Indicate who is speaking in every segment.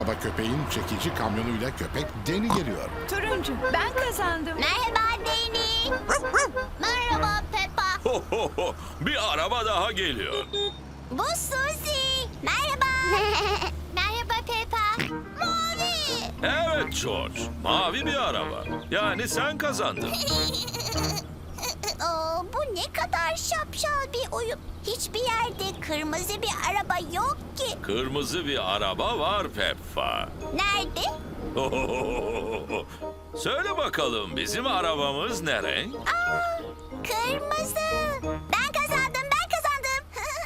Speaker 1: Baba köpeğin çekici kamyonuyla köpek Deni geliyor.
Speaker 2: Turuncu, ben kazandım.
Speaker 3: Merhaba Deni. Merhaba Peppa.
Speaker 4: Ho ho ho! Bir araba daha geliyor.
Speaker 3: Bu Suzy. Merhaba. Merhaba Peppa. Mavi.
Speaker 4: Evet George, mavi bir araba. Yani sen kazandın.
Speaker 3: Bu ne kadar şapşal bir oyun. Hiçbir yerde kırmızı bir araba yok ki.
Speaker 4: Kırmızı bir araba var Peppa.
Speaker 3: Nerede?
Speaker 4: Söyle bakalım bizim arabamız ne renk?
Speaker 3: Kırmızı. Ben kazandım, ben kazandım.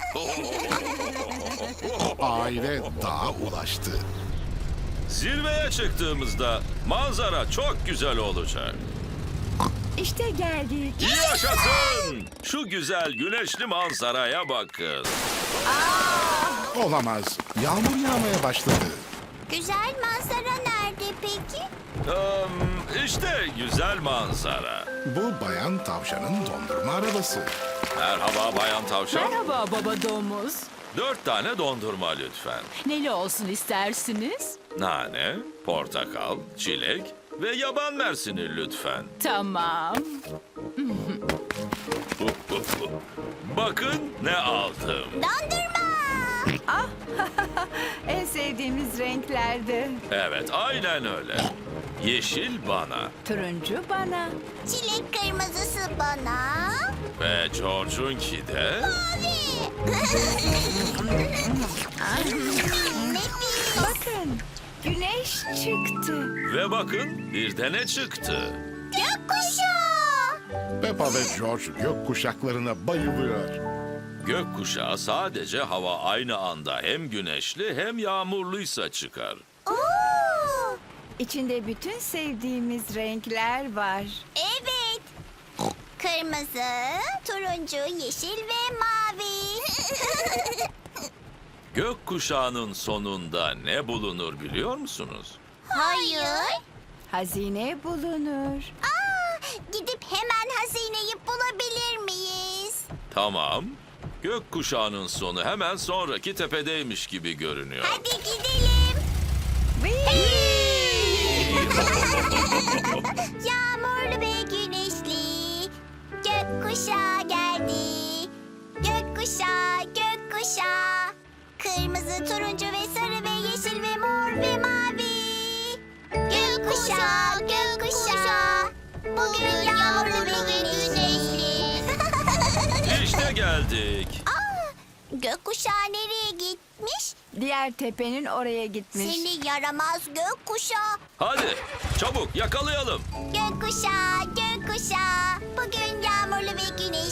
Speaker 1: Aile dağa ulaştı.
Speaker 4: Zirveye çıktığımızda manzara çok güzel olacak.
Speaker 2: İşte geldik.
Speaker 4: Yaşasın! Şu güzel güneşli manzaraya bakın.
Speaker 1: Olamaz. Yağmur yağmaya başladı.
Speaker 3: Güzel manzara nerede peki?
Speaker 4: İşte güzel manzara.
Speaker 1: Bu bayan tavşanın dondurma arabası.
Speaker 4: Merhaba Bayan Tavşan.
Speaker 5: Merhaba baba domuz.
Speaker 4: 4 tane dondurma lütfen.
Speaker 5: Neli olsun istersiniz?
Speaker 4: Nane, portakal, çilek ve yaban mersini lütfen.
Speaker 5: Tamam.
Speaker 4: Bakın ne aldım.
Speaker 3: Dondurma.
Speaker 2: En sevdiğimiz renklerde.
Speaker 4: Evet, aynen öyle. Yeşil bana
Speaker 2: Turuncu bana.
Speaker 3: Çilek kırmızısı bana.
Speaker 4: ve George'unki de...
Speaker 3: Mavi. Nefis.
Speaker 2: Bakın, güneş çıktı.
Speaker 4: Ve bakın bir de ne çıktı.
Speaker 3: Gökkuşağı.
Speaker 1: Peppa ve George gök kuşaklarına bayılıyor.
Speaker 4: Gökkuşağı sadece hava aynı anda hem güneşli hem yağmurluysa çıkar.
Speaker 3: Oo.
Speaker 2: İçinde bütün sevdiğimiz renkler var.
Speaker 3: Evet. Kırmızı, turuncu, yeşil ve mavi.
Speaker 4: Gökkuşağının sonunda ne bulunur biliyor musunuz?
Speaker 3: Hayır.
Speaker 2: Hazine bulunur.
Speaker 3: Gidip hemen hazineyi bulabilir miyiz?
Speaker 4: Tamam. Gökkuşağının sonu hemen sonraki tepedeymiş gibi görünüyor.
Speaker 3: Hadi gidelim. Yağmurlu ve güneşli gökkuşağı geldi. Gökkuşağı, gökkuşağı. Kırmızı, turuncu ve sarı ve yeşil ve mor ve mavi. Gökkuşağı, gökkuşağı. Bugün yağmurlu ve güneşli.
Speaker 4: İşte geldik.
Speaker 3: Gökkuşağı nereye gitmiş?
Speaker 2: Diğer tepenin oraya gitmiş.
Speaker 3: Seni yaramaz gökkuşağı.
Speaker 4: Hadi çabuk yakalayalım.
Speaker 3: Gökkuşağı, gökkuşağı.